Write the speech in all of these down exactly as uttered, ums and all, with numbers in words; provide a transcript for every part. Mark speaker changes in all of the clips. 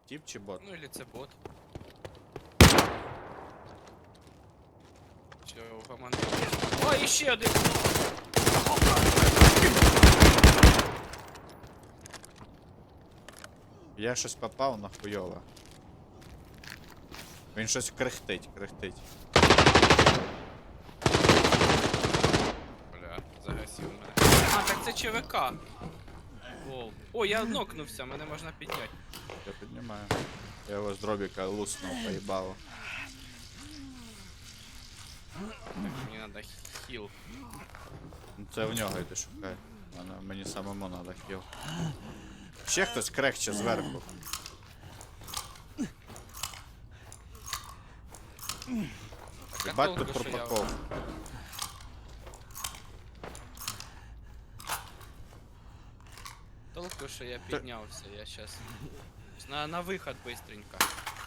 Speaker 1: Тіп чи бот?
Speaker 2: Ну или це бот. Чи у команди. О, іще один!
Speaker 1: Я щось попав на хуйове. Він щось крихтить, крихтить.
Speaker 2: Бля, загасив мене. А, так це ЧВК. Лол. О, я нокнувся, мене можна підняти.
Speaker 1: Я піднімаю. Я його з дробіка луснув, поїбало.
Speaker 2: Так, мені надо хіл.
Speaker 1: Ну це в нього йди шукай. Мене, мені самому надо хіл. Ще хтось крехче зверху.
Speaker 2: Так, а
Speaker 1: Бать тут
Speaker 2: толку, що я-
Speaker 1: пропаков.
Speaker 2: Толку, що я піднявся, я щас. На, на виход быстренько.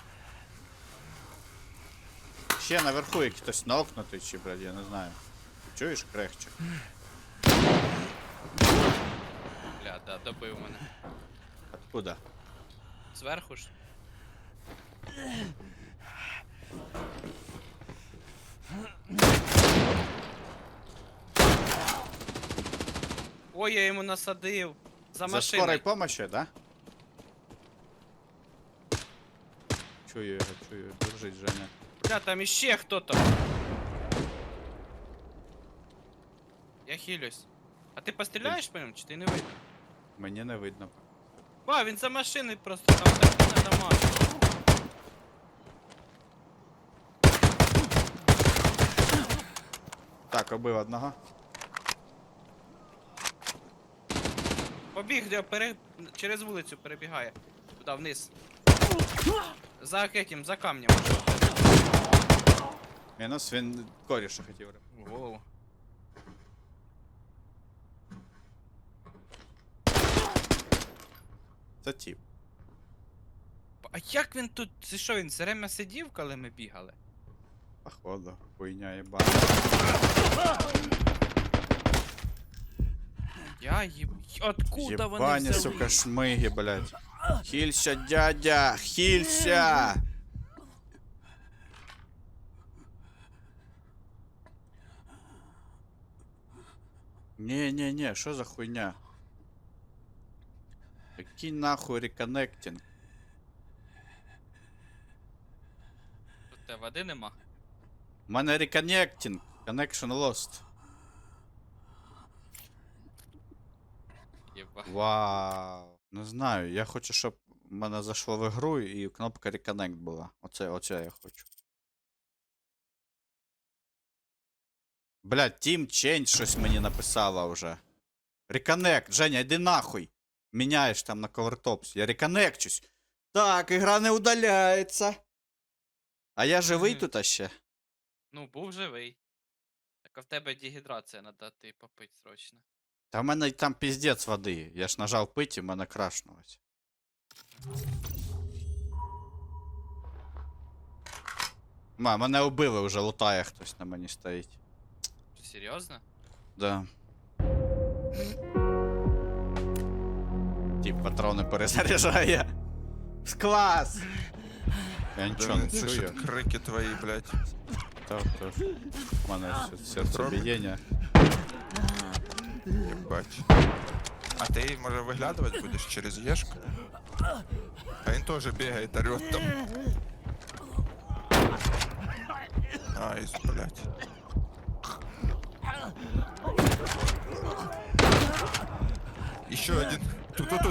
Speaker 1: Ще наверху як хтось нокнутий чи, блядь, я не знаю. Чуєш крехче?
Speaker 2: Бля, да, добив мене.
Speaker 1: Откуда?
Speaker 2: Зверху ж. Ой, я йому насадив. За
Speaker 1: За
Speaker 2: машиною.
Speaker 1: скорой помощи, да? Чую його, чую. Держись, Женя.
Speaker 2: Бля, там іще хто-то. Я хилюсь. А ти постріляєш по ньому, чи ти не видно?
Speaker 1: Мені не видно.
Speaker 2: А, він за машиною просто там так не дамажить.
Speaker 1: Так, убив одного.
Speaker 2: Побіг, де пере... через вулицю перебігає. Туди вниз. За этим, за камнем.
Speaker 1: Мінус, він коріша хотів.
Speaker 2: Воу.
Speaker 1: Це тіп.
Speaker 2: А як він тут, це що, він все время сидів, коли ми бігали?
Speaker 1: Походу, хуйня єбана.
Speaker 2: Я їб... Откуда вони
Speaker 1: Єбані,
Speaker 2: взяли?
Speaker 1: сука, шмиги, блядь. Хілься, дядя, хілься! Не-не-не, що за хуйня? Який нахуй реконнектинг?
Speaker 2: Тут те води нема.
Speaker 1: У мене реконнектинг. Connection lost.
Speaker 2: Єба.
Speaker 1: Вау. Не знаю, я хочу, щоб в мене зайшло в ігру і кнопка Reconnect була. Оце, оце я хочу. Блядь, Team Change щось мені написала вже. Reconnect, Женя, йди нахуй. Міняєш там на Covertops. Я реконнекчусь. Так, ігра не удаляється. А я живий
Speaker 2: Мгм.
Speaker 1: тут а ще?
Speaker 2: Ну, був живий. Так а в тебе дегідрація, надо ти попить срочно.
Speaker 1: Та в мене там піздець води. Я ж нажав пить і в мене крашнулось. Ма, мене убили вже, лутає хтось на мені стоїть.
Speaker 2: Серйозно?
Speaker 1: Да. Тип патрони перезаряджає. Клас! Я нічого не
Speaker 3: Це ж
Speaker 1: чую.
Speaker 3: крики твої, блядь.
Speaker 1: Так, так. У мене все- серцебієння.
Speaker 3: Єбать. А ти, може, виглядувати будеш через Єшку? А він теж бігає, орёт там. Айс, блядь. Еще один. Тут, тут, тут.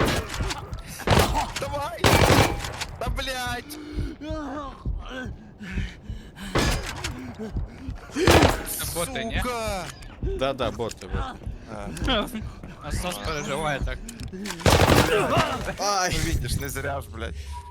Speaker 3: Давай! Да, блядь!
Speaker 2: Це боти, ні?
Speaker 3: Сука!
Speaker 1: Да-да, боти, боти.
Speaker 3: А,
Speaker 2: Насос переживає так.
Speaker 1: Ай!
Speaker 3: ну видишь, не зря ж, блядь.